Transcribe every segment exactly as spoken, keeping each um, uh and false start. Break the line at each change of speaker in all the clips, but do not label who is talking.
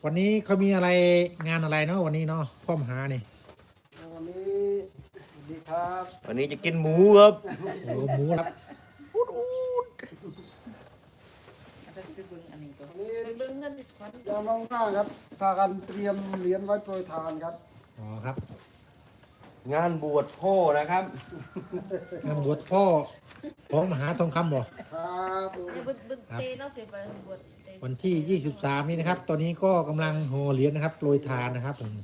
วันนี้เขามีอะไรงานอะไรเนาะวันนี้เนาะพ่อมหานี่
วันนี้ดีครับ
วันนี้จะกินหมูครับ
โอ้หมูครับ
วันนี้ยามว่างๆครับพากันเตรียมเหรียญไว้โปรยทานครับ
อ๋อครับ
งานบวชพ่อนะครับ
งานบวชพ่อของมหาทองคำบ่
ครับ
วันที่ยี่สิบสามนี้นะครับตอนนี้ก็กำลังห่อเหรียญนะครับโปรยทานนะครับผม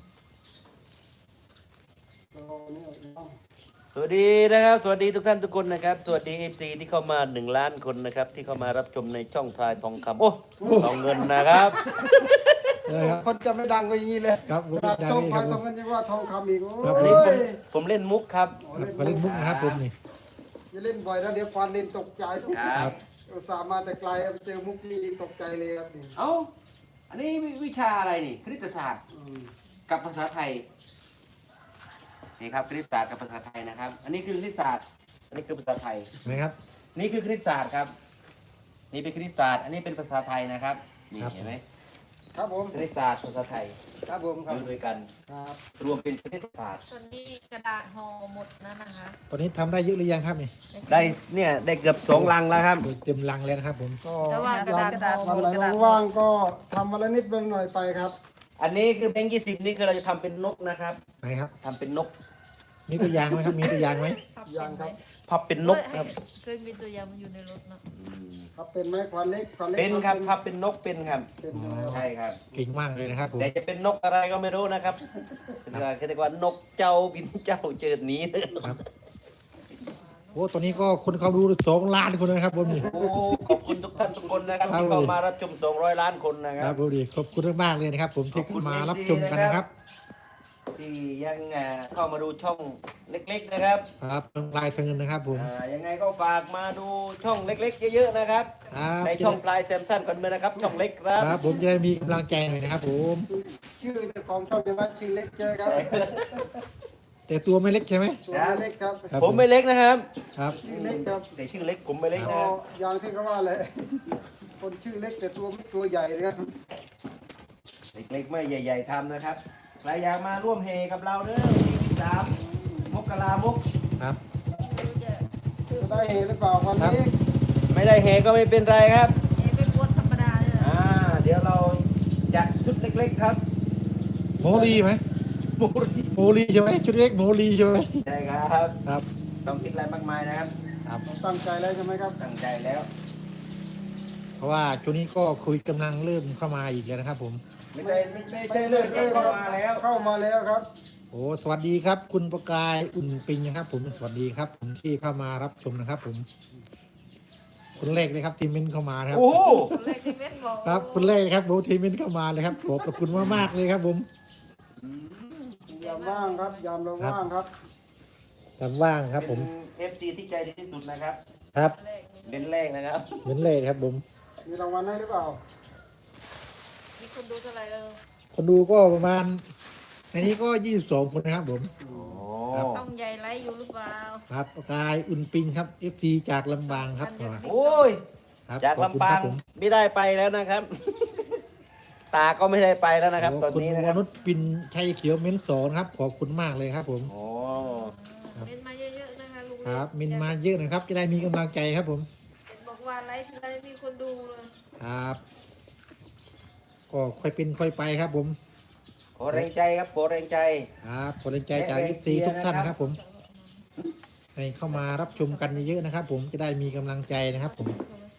สวัสดีนะครับสวัสดีทุกท่านทุกคนนะครับสวัสดี เอฟ ซี ที่เข้ามาหนึ่งล้านคนนะครับที่เข้ามารับชมในช่องพลายทองคำโอ้ทองเงินนะครับ
คนจะไม่ดังก็อย่างนี้เลย
ครับ
ช่องพลายทองเงินจะว่าทองคำอีกโอ้
ยผมเล่นมุกครับ
มาเล่นมุกนะครับผมนี่
อย่าเล่นบ่อยนะเดี๋ยวฟันเล่นตกใจทุก
ครับ
อุตส่าห์มาแต่ไกลเจอมุกนี้ตกใจเลยครับ
เอ้าอันนี้วิชาอะไรนี่คณิตศาสตร์กับภาษาไทยนี่ครับคณิตศาสตร์กับภาษาไทยนะครับอันนี้คือคณิตศาสตร์อันนี้คือภาษาไทย
นะครับ
นี่คือคณิตศาสตร์ครับนี่เป็นคณิตศาสตร์อันนี้เป็นภาษาไทยนะครับนี่เห็นไหม
ครับผม
คณิตศาสตร์ภาษาไทย
ครับผมครับ
ด้วยกัน
ครับ
รวมเป็นคณิตศาสตร์
ตอนนี้กระดาษห่อหมดแล้วนะคะ
ตอนนี้ทำได้เยอะหรือยังครับนี่
ได้เนี่ยได้เกือบสองลังแล้วครับ
เต็มลังแล้วนะครับผม
ก็วันไหนว่างๆก็ทำวันละนิดเบื้องหน่อยไปครับ
อันนี้คือแบงค์ยี่สิบนี่คือเราจะทำเป็นนกนะครับ
ไหนครับ
ทำเป็นนก
มีตัวอย่างไหมครับมีตัวอย่างไหม
อย่างครับ
พับเป็นนกครับ
เคยมีตัวอย่างมันอยู่ในรถเนาะ
ครับเป็นไหมควันเล็กควันเล็ก
เป็นครับพับเป็นนกเป็นครับใช่ครับ
เก่งมากเลยนะครับ
แต่จะเป็นนกอะไรก็ไม่รู้นะครับเรียกว่านกเจ้าบินเจ้าเจิดหนี
ครับโอ้ตอนนี้ก็คนเขาดูสองล้านคนนะครับผมนี่
โอ้ขอบคุณทุกท่านทุกคนนะครับที่เข้ามารับชมสองร้อยล้านคนนะครั
บครับผมดีขอบคุณมากเลยนะครับผมที่เข้ามารับชมกันนะครับ
ที่ยังเข้ามาดูช่องเล็กๆนะครับ
ครับช่องพลายทองเงินนะครับผม
ยังไงก็ฝากมาดูช่องเล็กๆเยอะๆนะครับในช่องพลายแซมสันกันเลยนะครับช่องเล็กครับ
ครับผมจะได้มีกำลังใจหน่อยนะครับผม
ชื่อของช่องจะว่าชื่อเล็กเจอครับ
แต่ตัวไม่เล็กใช่ไหม
ตัวเล็กครับ
ผมไม่เล็กนะครับ
ครับ
ชื่อเล็กครับ
แต่ชื่อเล็กผมไม่เล็กนะ
อย่างที่เขาว่าเลยคนชื่อเล็กแต่ตัวตัวใหญ่เลยครับ
เล็กๆไม่ใหญ่ๆทำนะครับใครอยากมาร่วมเฮกับเราเด้อสี่สิบสามมกรามุก
ครับ
จะได้เฮหรือเปล่าวันนี้
ไม่ได้เฮก็ไม่เป็นไรครับ
เฮเป็นบวชธรรมดาเลย
อ่าเดี๋ยวเราจัดชุดเล็กๆครับ
โมลีไหมโมลีโมลีใช่ไหมชุดเล็กโมลีใช่ไหม
ใช่ครับ
ครับ
ต้องคิดอะไรมากมายนะครับ
ครับ
ตั้งใจแล้วใช่ไหมครับ
ตั้งใจแล้ว
เพราะว่าช่วงนี้ก็คุยกำลังเริ่มเข้ามาอีกแล้วนะครับผม
ไม่ใช่ไม่ใช่เริ่มเข้ามาแล้ว
เข้ามาแล้วครับ
โอ้สวัสดีครับคุณประกายอุ่นปิงนะครับผมสวัสดีครับผมที่เข้ามารับชมนะครับผมคนแรกเลยครับทีมเมนเข้ามาครับ
โอ้
คนแรกที่เมนบอก
ครับคนแรกครับโบทีมเมนเข้ามาเลยครับขอบคุณมากมากเลยครับผม
ยามว่างครับยามเราว่างครับ
ยามว่างครับผม
เอฟซีที่ใจดีที่สุดนะครับ
ครับ
เป็นแรกนะครับ
เป็นแรกครับผม
มีรางวัลให้หรือเปล่า
มีคนดูเท่าไหร่แล้ว
คนดูก็ประมาณอันนี้ก็ยี่สิบสองคนนะครับผม
ต้องใหญ่ไรอยู่หรือเปล่า
ครับประกายอุ่นปิงครับเอฟซีจากลำปางครับ
โอ้ยจากลำปางไม่ได้ไปแล้วนะครับตาก็ไม่ได้ไปแล้วนะครับตอนนี้นะครับ
คุณวนุชปินชัยเขียวเม้นสอนครับขอบคุณมากเลยครับผม
โอ้
เม้นมาเยอะๆนะคะลุง
ครับเม้นมาเยอะนะครับจะได้มีกำลังใจครับผม
บอกว่าไลฟ์ไลฟ์มีคนดูเลย
ครับก็ค่อยเป็นค่อยไปครับผม
ขอแรงใจครับขอแรงใจ
ครับขอแรงใจจากยุติทุกท่านนะครับผมให้เข้ามารับชมกันเยอะๆนะครับผมจะได้มีกำลังใจนะครับผม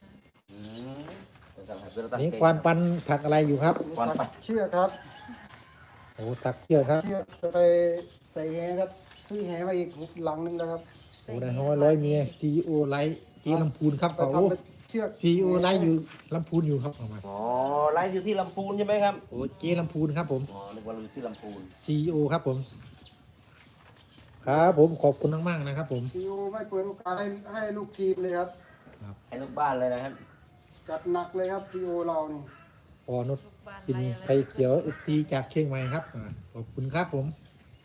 นี่ควานปันถักอะไรอยู่ครับ
ควานปันเชือกครับ
โอ้ถักเชือกครับ
เชือกจะไปใส่แหครับซื้อแหมาอีกหลังนึงแล้วครับ
โอ้ได้ห้อยร้อยเมียซีโอไลท์เจลำพูนครับเขาซีโอไลท์อยู่ลำพูนอยู่ครับออกมา
อ๋อไลท์อยู่ที่ลำพูนใช่ไหมครับ
โอ้เจลำพูนครับผม
อ๋อนึกว่าอยู่ที่ลำพูน
ซีโอครับผมครับผมขอบคุณมากๆนะครับผม
ซีโอไม่เปิดโอกาสให้ให้ลูกทีมเลยครับ
ให้ลูกบ้านเลยนะครับ
จัดหนักเลยครับซีโอเรานี่
ปอนุชกินไข่เขียวเอฟซีจากเชียงใหม่ครับขอบคุณครับผม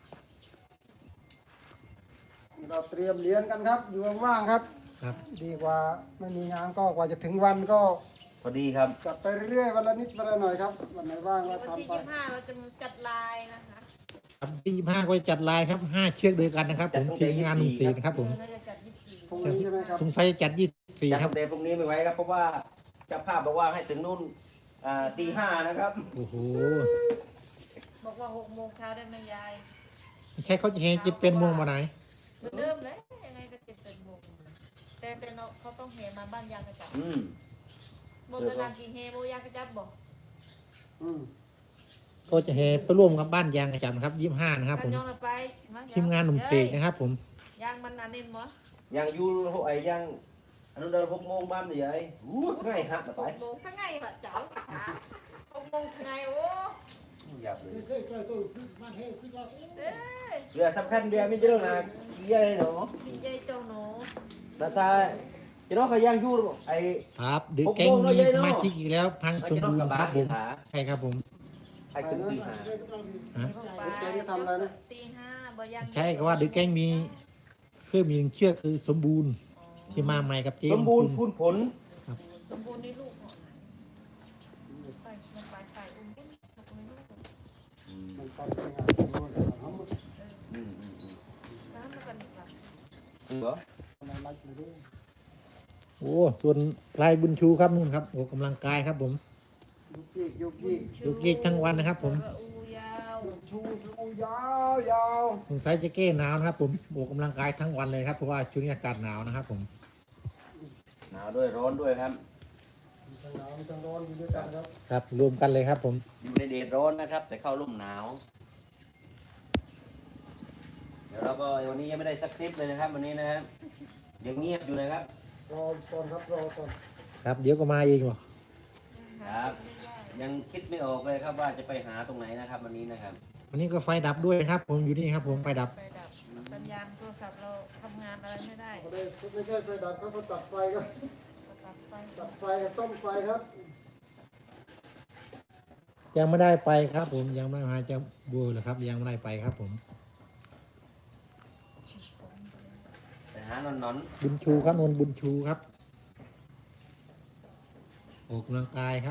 เราเตรียมเลี้ยงกันครับอยู่ว่างๆครับ
ครับ
ดีกว่าไม่มีงานก็กว่าจะถึงวันก็
พออดีครับ
จัดไปเรื่อยๆวันละนิดวันละหน่อยครับวันไหนว่างก็
วันที่
ทำไป
ยี่สิบห้าเราจะจัดลายนะคะ
ครับที่ยี่สิบห้าก็จะจัดลายครับห้าเชือกด้วยกันนะครับ ผมทีมงานหนุ่มสีนะครับผม
เราจะจัดยี่สิบสี่
พรุ่งนี้ใช่ไหมครับ
สงสัยจะจัดยี่สิบสี่
จัด
ครับ
ตั้งแต่พรุ่งนี้ไม่ไหวครับ เพราะว่าเจ้าภาพบอกว่าให้ถึงนู่นอ่าตีห้านะครับ
โอ้โห
บอกว่าหกโมงเช้าได้ไหมยาย
ใช่เขาจะเฮจิตเป็นโมงมาไหน
เหมือนเดิมเลยยังไงก็เจ็ดเป็นโมงแต่แต่เนาะเขาต้องเฮมาบ้านยางกระจับ
อืม
โบตนานกี่เฮโบยางกระจับบอก
อืม
ก็จะเฮไปร่วมกับบ้านยางกระจับนะครับยี่สิบห้านะครับ
กั
ผ
น
ม
ยองเราไปม
ทีมงานหนุ่มเสกนะครับ ผม
ยางมันอันนี้มั้ง
ยังอยู่ไอ้ยังอนุเดินหกโมงบ้านใหญ่อู้ง่ายฮักมา
ห
ไป
กโมงทั้งไงบะเจ้าหกโมงทั้งไงโอ้
หยับเลย
เอ้ย
เรือสำคัญเรือไม่เยอะนะเยอะเลยเนาะ
ดีใจเจ้าหนู
แต่ถ้าจะน้องเขายังอยู่ไอ้
ครับดึกแก๊งมีสมาชิกอีกแล้วพังสมบูรณ์ครับผมใช่ครับผม
ไอ้ถึงตีห้า
ฮะ
ตีห้าบ่ยัง
ใช่ก็ว่าดึกแก๊งมีเครื่องมีหนึ่งเชือกคือสมบูรณ์ที่มาใหม่กับเจ๊
สมบูรณ์พูนผล
สมบูรณ์ในลูกของไปมันไปไปอุ้มอุ้ม
มันไปเป็นงานของเราเลยครับ
อืมอืมอืม
น้ำมันกันอีกละ
เหรอ
อะไรไล่ไปเรื่อย
โอ้ส่วนพลายบุญชูครับนู่นครับโอ้กำลังกายครับผม
ยุกยิกยุกยิก
ยุกยิกทั้งวันนะครับผม
อูยาว
ชูชูยาวยาว
สงสัยจะแก้หนาวนะครับผมโอ้กำลังกายทั้งวันเลยครับเพราะว่าช่วงนี้อากาศหนาวนะครับผม
หนาวด้วยร้อนด้วยครับ
มีทั้งหนาวมีทั้งร้อนอยู่ด้วยกันครับ
ครับรวมกันเลยครับผม
อยู่ในเดดร้อนนะครับ แต่เข้าร่มหนาว เดี๋ยวเราก็วันนี้ยังไม่ได้สักคลิปเลยนะครับวันนี้นะครับยังเงียบอยู่นะครับ
รอก่อนครับรอก่อน
ครับเดี๋ยวก็มาเองวะ
ครับ ยังคิดไม่ออกเลยครับว่าจะไปหาตรงไหนนะครับวันนี้นะครับ
วันนี้ก็ไฟดับด้วยนะครับ ผมอยู่นี่ครับผมไฟดับ
ไปดับสัญญาณโทรศัพท์เราทำงานอะไรไม่ได้
ไม่ได้ไม่ใช่ไฟดับเขาก็ตัดไฟครับ
ตัดไฟ
ตัดไฟกับต้มไฟครับ
ยังไม่ได้ไปครับ ผมยังไม่มาจะบูเลยครับ ยังไม่ได้ไปครับ ผม
ไปหานอนนอน
บุญชูครับนนบุญชูครับออกกำลังกายครับ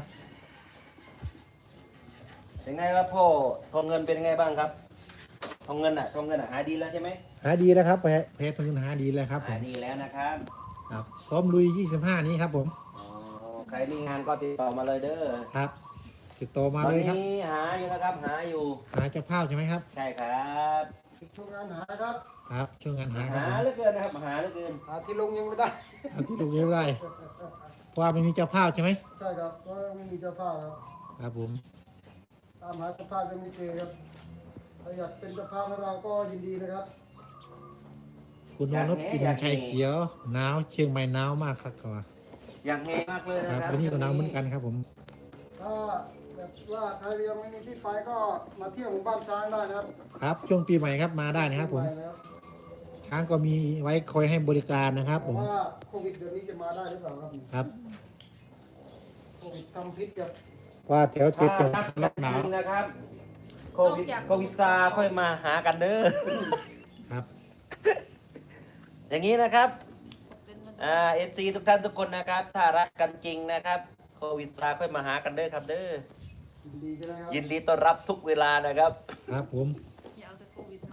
เป็นไงครับพ่อทองเงินเป็นไงบ้างครับทองเงินอ่ะทองเงินอ่ะหายดีแล้วใช่ไหม
หาดีแล้วครับแพ้แพ้ทุนหาดีแล้วครับผ
หาม ยดีแล้วนะครับ
ครับพร้อมลุยยี่สิบห้านี้ครับ ผม
อ๋อใครมีงานก็ติดต่อมาเลยเด้อ
ครับติดต่อมา
ตอน
เลยครับ
นี้หาอยู่นะครับหาอยู่
หาเจ้าภาพใช่ไหมครับ
ใช่ครับ
ช่วงงานหาครับ
ครับช่วงงานหาครับ
หา
ผม
เหลือเกินนะครับหาเหลือเกิน
หาที่ลงยังไม่ได้
เอาที่ลูกเรียบร้อยเพราะว่าไม่มีเจ้าภาพใช่ไหม
ใช่ครับก็ไม่มีเจ้าภาพครับ
ครับผม
ตามหาเจ้าภาพยังไม่เจอครับถ้าอยากเป็นเจ้าภาพให้เราก็ยินดีนะครับ
คุณนนท์กินไข่เขียวหนาวเชียงใหม่หนาวมากครับครับ
อย่างเฮมากเลย
ค
นะ
รับ
ครับ
วันนี้ก็หนาวเหมือนกันครับผม
ถ้าแบบว่าใครยังไม่มีที่ไปก็มาเที่ยวหมู่บ้านช้างได้นะครับ
ครับช่วงปีใหม่ครับมาได้นะครับ ผม
ไปแล้ว
ช้างก็มีไว้คอยให้บริการนะครับ
เพ
ผ
ราะ
ม
ว่าโควิดเดือนนี้จะมาได้หรือเปล่าครับ
ครับ
โควิดทำพิษกับ
ว่าแถวเจ็ด
ถ้า
จังหวั
นั
ด
ก
ล็อกหนาว
จริงนะครับโควิดโควิดซาค่อยมาหากันเด้อ
ครับ
อย่างนี้นะครับ
เป็นมัน
อ่าเอฟซีทุกท่านทุกคนนะครับ ถ้ารักกันจริงนะครับโควิดซาค่อยมาหากันเด้อครับเด้อ
ยินดีใช่ไหมครับ
ยินดีต้อนรับทุกเวลานะครับ
ครับผม
อย่าเอาแต่โควิดมา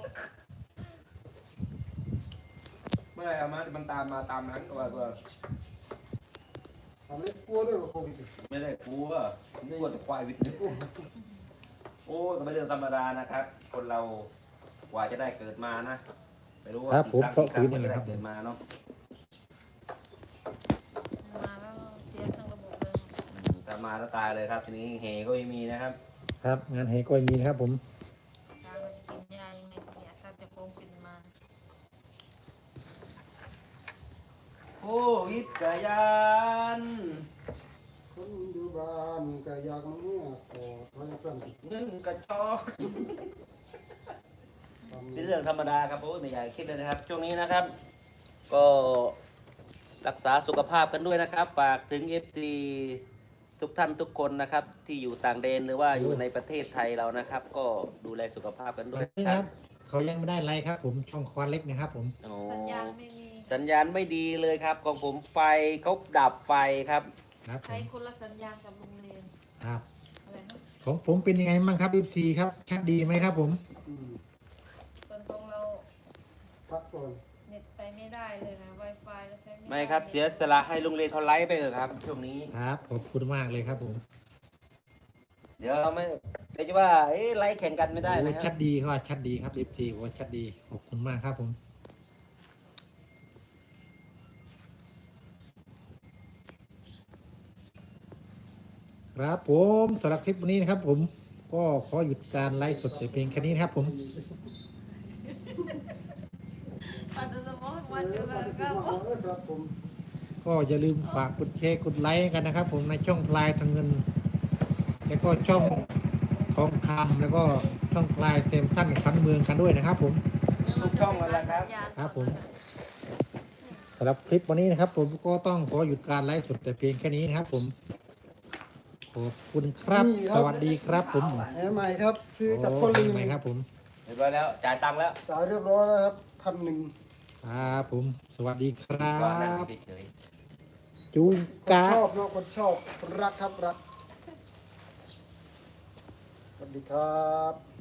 เมื่อไหร่เอามามันตามมาตามนั้นก็ว่าตัว
ทำให้กลัวด้วยว่าโควิด
ไม่ได้กลัวกลัวแต่ควายวิทย์โอ้ก็ไม่เรื่องธรรมดานะครับ คนเรากว่าจะได้เกิดมานะไม่รู้ว่า
ครับผม
กี่
เพ
ครั้
ราะ
ง
คุ
กี่
ณ
ครั้
นี่
ง
แห
ก็
ละครับ
ได้เกิดมาเนาะ
มาแล้วเสียทั้งระบบเลย
อืมถ้ามาแล้วตายเลยครับ ทีนี้เฮก็ไม่มีนะครับ
ครับงานเฮก็มีนะครับ ผม
ทางมันกินยายังไงเนี่ยถ้าจะโกงกินมา
โอ้วิทยาน
คนอยู่บ้านก็อยากมาเนี่ยขอพระสั่ง
เงินกระชอกเป็นเรื่องธรรมดาครับโอ้ยไม่อยากคิดเลยนะครับ ช่วงนี้นะครับ ก็รักษาสุขภาพกันด้วยนะครับ ฝากถึงเอฟซีทุกท่านทุกคนนะครับ ที่อยู่ต่างแดนหรือว่าอยู่ในประเทศไทยเรานะครับ ก็ดูแลสุขภาพกัน
ต
ด้
อ
วน ย
นี้
นะ
นะ
ค
ค
รั
รับ บเขายังไม่ได้ไลค์ครับ ผมช่องควานเล็กนะครับ ผม
โอ้
สัญญาณไม่มี
สัญญาณไม่ดีเลยครับของผมไฟเขาดับไฟครับ
ครับผ
ใช้
ม
คนละสัญญาณกับโรงเรียน
ครับ
อะไรนะ
ของผมเป็นยังไงบ้างครับ เอฟ ซี ครับชัดดีไหมครับผม
อืม
ตอนของเรา
พักก่อน
เน็ตไปไม่ได้เลยนะ Wi-Fi ก็ใช้ไม่ได้
ไม่ครับเสียสละให้โรงเรียนเขาไลฟ์ไปเถอะครับ ช่วงนี้
ครับขอบคุณมากเลยครับผม
เดี๋ยวเราไม่เดี๋ยวจะว่าเอ๊ะไลฟ์แข่งกันไม่ได้
โอ้
นะค
ชั
รับ
ดดีครับชัดดีครับ เอฟ ซี โอ้ชัดดีขอบคุณมากครับผมครับผมสำหรับคลิปวันนี้นะครับ ผมก็ขอหยุดการไลฟ์สดแต่เพียงแค่นี้นะครับผม
ปัจจุบันวันเดียวกันก็
ครับผม
ก็อย่าลืมฝากกดแชร์กดไลค์กันนะครับ ผมในช่องพลายทางเงิน แล้วก็ช่องทองคำแล้วก็ช่องพลายเซมสั้นขวัญเมืองกันด้วยนะครับ ผม
ทุกช่องเลยนะครับ
ครับผม สำหรับคลิปวันนี้นะครับ ผมก็ต้องขอหยุดการไลฟ์สดแต่เพียงแค่นี้นะครับ ผมขอบคุณครับ สวัสดีครับ ผม
แหมใหม่ครับ ซื้อกับ
โอ้
พ่อลิง
ใหม่ครับ ผม
เรียบร้อยแล้ว จ่ายตังค์แล้ว
จ่ายเรียบร้อยแล้วครับพันหนึ่ง
ครับผม สวัสดีครั
ก็นั่ง
บ
เฉย
จูง
คน
กา
ชอบเนาะคนชอบรักครับรักสวัสดีครับ